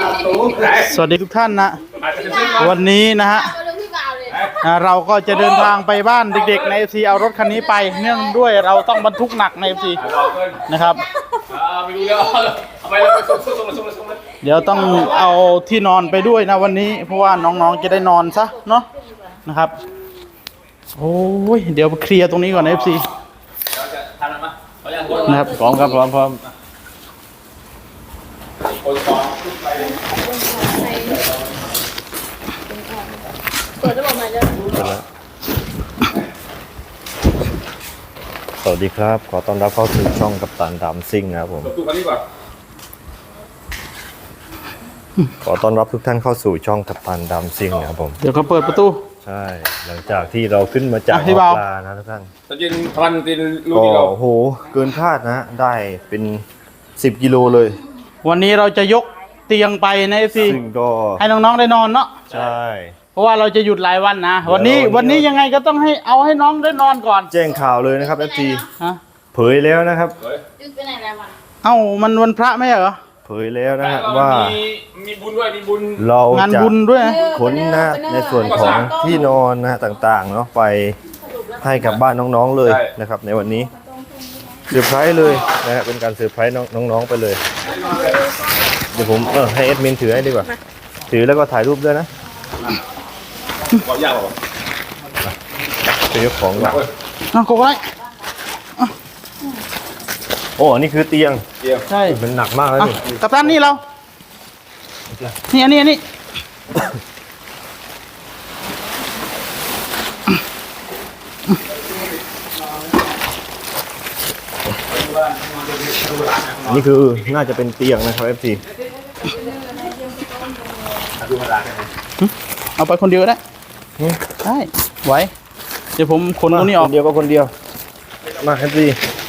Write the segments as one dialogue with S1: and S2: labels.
S1: สวัสดีทุกท่านนะวันนี้นะฮะเราก็จะเดินทางไปบ้านเด็กๆใน FC เอารถคันนี้ไปเนื่องด้วยเราต้องบรรทุกหนักใน FC นะครับเดี๋ยวต้องเอาที่นอนไปด้วยนะวันนี้เพราะว่าน้องๆจะได้นอนซะเนาะนะครับโอ้ยเดี๋ยวเคลียร์ตรงนี้ก่อนนะ FC นะครับพร้อมครับพร้อม
S2: เปิดระบบใหม่เลย
S3: สวัสดีครับขอต้อนรับเข้าสู่ช่องกัปตันดำซิ่งนะครับผมขอต้อนรับทุกท่านเข้าสู่ช่องกัปตันดำซิ่งนะครับผม
S1: เดี๋ยวเขาเปิดประตู
S3: ใช่หลังจากที่เราขึ้นมาจากปลานะทุกท่าน
S4: ตอนเย็นพันตินลูก
S3: ก็
S4: ที่เรา
S3: โอ้โหเกินคาดนะได้เป็น10 กิโลเลย
S1: วันนี้เราจะยกเตียงไปใน FC
S3: ซึ่งก็
S1: ให้น้องๆได้นอนเนาะ
S3: ใช่
S1: เพราะว่าเราจะหยุดหลายวันนะวันนี้ยังไงก็ต้องให้น้องได้นอนก่อน
S3: แจ้งข่าวเลยนะครับ FG
S1: ฮะ
S3: เผยแล้วนะครับ
S2: ยึดไปไหนแล้ววะ
S1: เอ้ามันวันพระไม่เหรอ
S3: เผยแล้วนะฮะว่า
S4: มีบุญด้วยมีบุญ
S3: เรา
S1: งาน
S3: จะ
S1: บุญด้วย
S3: ขนนะในส่วนของที่นอนนะต่างๆเนาะไปให้กับบ้านน้องๆเลยนะครับในวันนี้เซอร์ไพรส์เลยนะครับเป็นการเซอร์ไพรส์น้องๆไปเลยเดี๋ยวผมให้เอดมินถือให้ดีกว่าถือแล้วก็ถ่ายรูปด้วยนะ
S4: ความยากหรอ
S3: จะยกของก่อน
S1: โกไว้
S3: โอ้นี่คือเตียง
S1: ใช่
S3: มันหนักมากแล้วนี่
S1: กัปตันนี่เรานี่อันนี้
S3: นี่คือน่าจะเป็นเตียงนะครับ FC
S1: เอาไปคนเดียวได้ได้ไหวเดี๋ยวผมขนตรงนี้ออก
S3: คนเดียวก็คนเดียวมา FC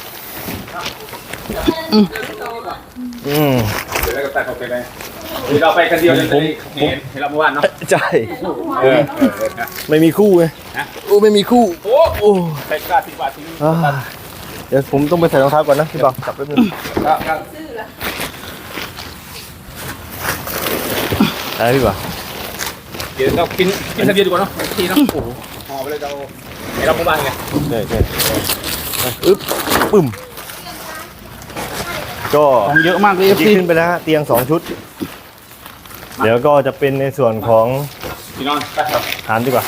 S4: เดี๋ยวแล้วก็ตัดออกไปเลยเราไปกันเดียวผมเห็นเราเมื่อวานเนาะ
S3: ใช่ไม่มีคู่ไงไม่มีคู่
S4: โอ้ใส่กา10 บาททิ้ง
S3: เดี๋ยวผมต้องไปใส่รองเท้าก่อนนะพี่บ่าวจับแป๊บนึงอะไรพี่บ่าว
S4: เดี๋ยวเรากินทะเบียนดีกว่าเนาะทีเนาะโอ้โหห่อไปเลยเราเห็นเราเมื่อวานไง
S3: ใช่ปึ้มก็
S1: เยอะมากเลย
S3: ขึ้นไปแล้วเตียง2 ชุดเดี๋ยวก็จะเป็นในส่วนของ
S4: พี่น้องไปครับ
S3: ฐานดีกว่า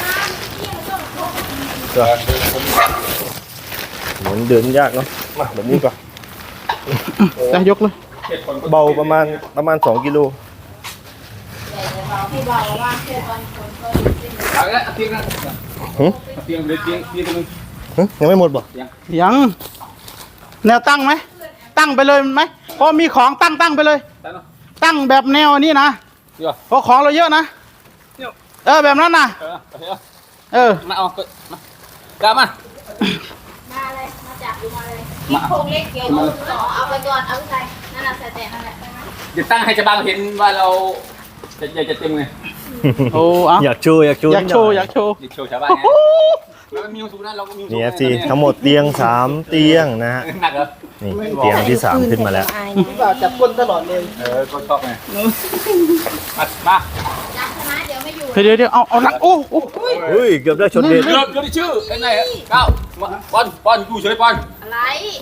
S3: เหมือนเดินยากเนาะมาแบบนี้ก่อน
S1: จะยกเลย
S3: เบาประมาณ2 กิโล
S2: พี่บอกว่าแค่ตอนคนก็
S4: เตียง
S3: ยังไม่หมดบ่
S1: ยังแนวตั้งไหมตั้งไปเลยไหมเพราะมีของตั้งไปเลยตั้งแบบแนวนี้นะเพราะของเราเยอะนะแบบนั้นนะ
S4: มาเอากล้ามา
S2: เลยมาจับดูมาเลยนี่โครงเล็กเกี่ยวเอาไปก่อนเอาใส่นั่นน่ะใส่แต่นั่นแหละ
S4: เดี๋ยวตั้งให้จะบางเห็นว่าเราจะเต็มไง
S1: โอ้
S3: อยากโชว์
S1: ชาวบ้าน
S3: นี่FC ทั้งหมดเตียง3 เตียงนะฮะนี่เตียงที่3ขึ้นมาแล้ว
S1: จับก้นตลอดเลย
S4: ก้นชอบไงมา
S2: จับนะเดี๋ยวไม่อยู่
S1: เดี๋ยวเอาหลังโอ้
S3: เกือบได้ชนเด็ด
S4: เกือบได้ชื่อไอ้ไหนเก้าปอนอยู่เฉยปอน
S2: อะไร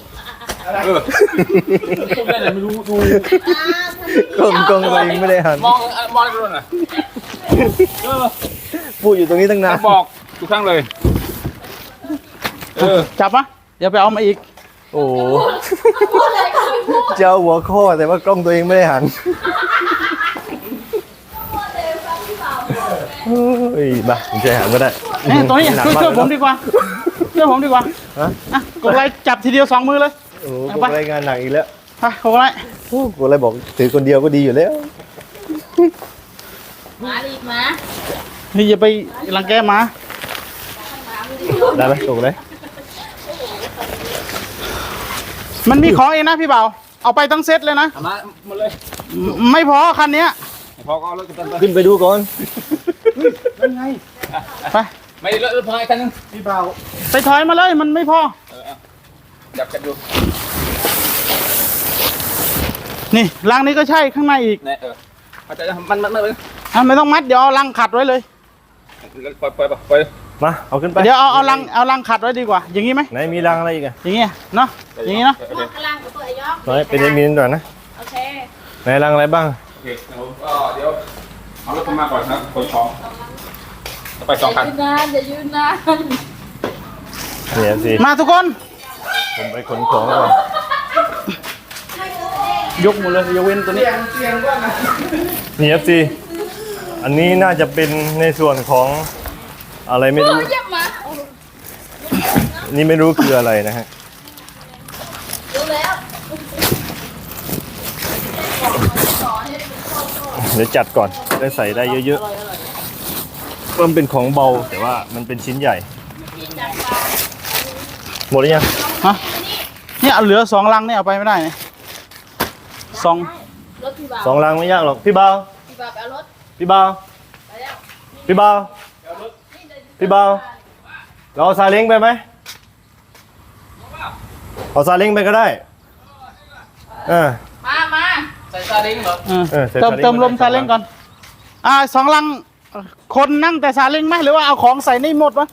S4: ไม่รู้ดู
S3: กล้องตัวเองไม่ได้หัน
S4: มองกันหน่อย
S3: พูดอยู่ตรงนี้ตั้งนาน
S4: บอกทุกครั้งเลย
S1: จับปะเดี๋ยวไปเอามาอีก
S3: โอ้เจ้าหัวข้อแต่ว่ากล้องตัวเองไม่ได้หันเฮ้ยบ้าผมจะหันก็ได้
S1: ตรงนี้ช่วยผมดีกว่ากดไลค์จับทีเดียว2 มือเลย
S3: โอ้กดไลค์งานหนักอีกแล้ว
S1: ไปกดไลค์
S3: กดไลค์บอกถือคนเดียวก็ดีอยู่แล้ว
S2: มาอีกมา
S1: นี่อย่าไปรังแกมา
S3: ได้ไหมกดเลย
S1: มันมีของเองนะพี่เบาเอาไปทั้งเซตเลยนะ
S4: มาหมดเลย
S1: ไม่พอคันนี้
S4: พอก็รถ
S3: ขึ้นไปดูก่อน
S1: นั่นไงไป
S4: ไม่รถพออีกคันนึง
S1: พี่เบาไปถอยมาเลยมันไม่พอ
S4: จับกันดู
S1: นี่รางนี้ก็ใช่ข้างในอีก
S4: อาจจะมันเลย
S1: ไม่ต้องมัดเดี๋ยวเอาลังขัดไว้เลย
S4: ปล่อย
S3: มาเอาขึ้นไป
S1: เดี๋ยวเอาลังขัดไว้ดีกว่า อย่างนี้ไหม
S3: ไหนมีรังอะไรอีกอะ
S1: อย่างเงี้ยเนาะอย่างงี้เนาะ
S2: พวกกำลังกับตัวไอ้ยอก
S3: ไหนเป็นมีนก่อนนะ
S2: โอเค
S3: ไหนรังอะไรบ้าง
S4: โอเคก็เดี๋ยวเอารถมาก่อนนะขนของไป2 คัน
S2: อย่ายืนนาน
S3: เนี่ยสิ
S1: มาทุกคน
S3: ผมไปขนของก่อน
S1: ยกหมดเลยยกเว้นตัวนี้
S3: นี่ครับสิอันนี้น่าจะเป็นในส่วนของอะไรไม่รู้
S2: เยี่ยมมา
S3: นี่ไม่รู้คืออะไรนะฮะ
S2: ดูแล้ว
S3: เดี๋ยวจัดก่อนได้ใส่ได้เยอะๆเพิ่มเป็นของเบาแต่ว่ามันเป็นชิ้นใหญ่ หมดหรือยัง
S1: ฮะเนี่ยเหลือ2 ลังเนี่ยเอาไปไม่ได้เนี่ยสอง
S2: รถพี่บ่าว
S3: สองรังไม่ยากหรอกพี่เบา
S2: พี่บ่าวไปเอารถ
S3: พี่เบา
S2: ไปแล้ว
S3: พี่เบาพี่เบาเราเอาซาเล้งไปไหมเอาซาเล้งไปก็ได้
S2: มา
S3: เออ
S1: เออ
S3: เออใส่
S1: เติม
S3: ซาเล้ง
S1: เติมลม
S3: ไปได้
S1: ซาเล้งก่อน2 ลังคนนั่งแต่ซาเล้งไหมหรือว่าเอาของใส่ในหมดวะ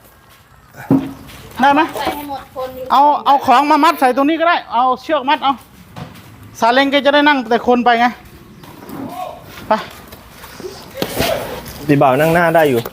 S1: ได้ไหม
S2: ใส่ให้หมดคนอยู่
S1: เอาของมามัดใส่ตรงนี้ก็ได้เอาเชือกมัดเอาซาเล้งก็จะได้นั่งแต่คนไปไงไป
S3: พี่เบานั่งหน้าได้อยู่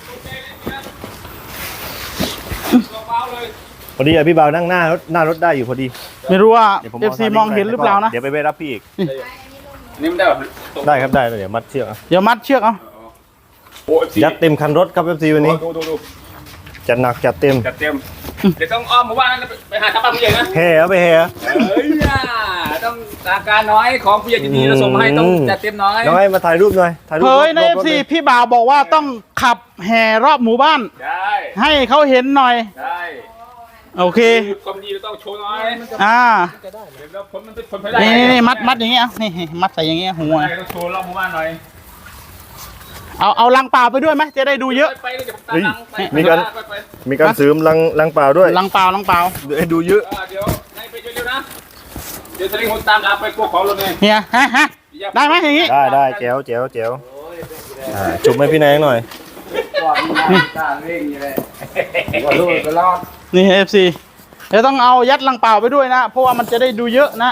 S3: พอดีอะพี่เบานั่งหน้ารถได้อยู่พอดี
S1: ไม่รู้ว่า
S3: เดี๋ยวผม
S1: FC มองเห็นหรือเปล่านะ
S3: เดี๋ยวไปรับพี่อีก
S4: นี่มันได้แบบ
S3: ได้ครับได้เดี๋ยวมัดเชือกเอา
S1: เดี๋ยวมัดเชือกเอา
S4: โอ้ย
S3: ยัดเต็มคันรถครับ FC วันนี้
S4: ดู
S3: จัดหนักจัดเต็ม
S4: จัดเต็มเดี๋ยวต้องอ้อมมาว่านั่นไปหาทำบ้านผู้ใหญ่นะ
S3: แห่เอาไปแห่
S4: เฮ้ยต้องตาการน้อยของผู้ใหญ่ดีๆเราส่งมาให้ต้องจัดเต็มน้อย
S3: น้อยมาถ่ายรูปหน่อยถ่ายรูป
S1: เฮ้ยใน
S3: รถ
S1: FC
S3: เลย
S1: พี่บ่าวบอกว่าต้องขับแห่รอบหมู่บ้าน
S4: ได้
S1: ให้เขาเห็นหน่อย
S4: ได้
S1: โอเค
S4: ความดีเราต้องโชว์น้อย
S1: เดี๋ยว
S4: เดี๋ยวผลมันเป็นผลไปได้
S1: นี่มัดอย่างเงี้ยนี่มัดใส่อย่างเงี้ยหัว
S4: ต้องโชว์รอบหมู่บ้านหน่อย
S1: เอาลังเปล่าไปด้วยไหมจะได้ดูเยอะ
S4: ไปเลยเดี๋ยวผมตามหลังไป
S3: มีการเสริมลังเปล่าด้วย
S1: ลังเปล่า
S3: เดี๋ยวให้ดูเยอะ
S4: เดี๋ยวให้ไปเร็วๆนะเดี๋ยวสลิงคนตามหลังไปกลัวของรถเลย
S1: เฮียฮะได้ไหมอย่างงี้
S3: ได้แจ๋วจุบให้พี่นายหน่อย
S1: นี่ FC เดี๋ยวต้องเอายัดลังเปล่าไปด้วยนะ เพราะว่ามันจะได้ดูเยอะนะ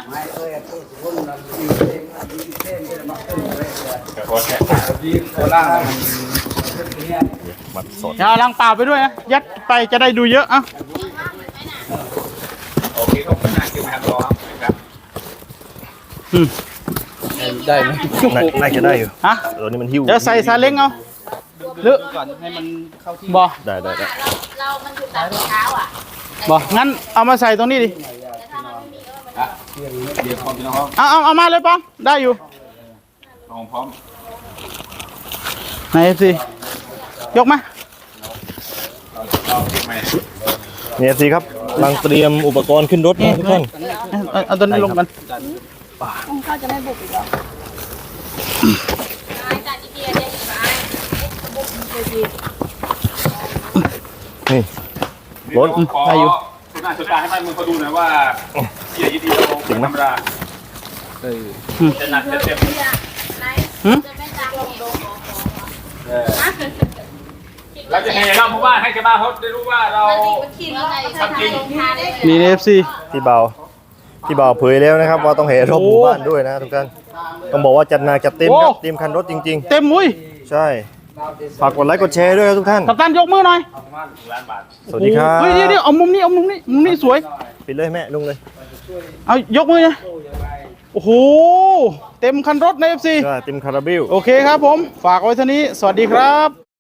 S3: มัดสด
S1: เดี๋ยวเอาลังเปล่าไปด้วยนะยัดไปจะได้ดูเยอะอ่ะ
S4: โอเคขอบคุณมากที่มารอครับ
S1: ได้ไหม
S3: น่าจะได้อยู่
S1: ฮะ
S3: ตัวนี้มันหิ้ว
S1: เดี๋ยวใส่ซาเล้งเอาหรือก่อนให้มันเข้าที่บ่
S3: ได้
S2: เรามันอยู่ตามเท้าอ่ะ
S1: บ่งั้นเอามาใส่ตรงนี้ดิ
S2: แต่ถ้ามันไม่มีก็มัน
S4: เดี๋ยวพร้อมพี่น้อง
S1: เอามาเลยป้องได้อยู่
S4: พร้อม
S1: ไหน FC ยกมา
S3: เนี่ยสิครับกำลังเตรียมอุปกรณ์ขึ้นรถนะทุกท่าน
S1: เอาตัวนี้ลงกัน
S2: เขาจะไม่บุกอีกหรอจากอีเดียเนี่ยไปบุกเลยดี
S3: นี่
S4: รถขอคุณอาชญาให้มันเขาดูหน่อยว่าเสียดีเราธรรมดาจะหนักจะเต็ม
S2: ไหนจะไม่จากลงลง
S4: เราจะแห่รอบหมู่บ้านให้ชาวบ้านเขาได้รู้ว่าเรา
S2: ขี่รถทำจริง
S1: นี่ FC
S3: พี่เบาเผยแล้วนะครับว่าต้องแห่รอบหมู่บ้านด้วยนะทุกท่านต้องบอกว่าจัดหนักจัดเต็มครับเต็มคันรถจริง
S1: เต็มมุ้ย
S3: ๆ ใช่ฝากกดไลค์กดแชร์ด้วยครับทุกท่าน
S1: กัปตันยกมือหน่อย
S3: สวัสดีครับ
S1: เฮ้ยเดี๋ยวเอามุมนี้สวย
S3: ปิดเลยแม่ลุงเลย
S1: เอายกมือนะโอ้โหเต็มคันรถใน FC
S3: ใช่เต็มคาราเบล
S1: โอเคครับผม ฝากไว้เท่านี้ สวัสดีครับ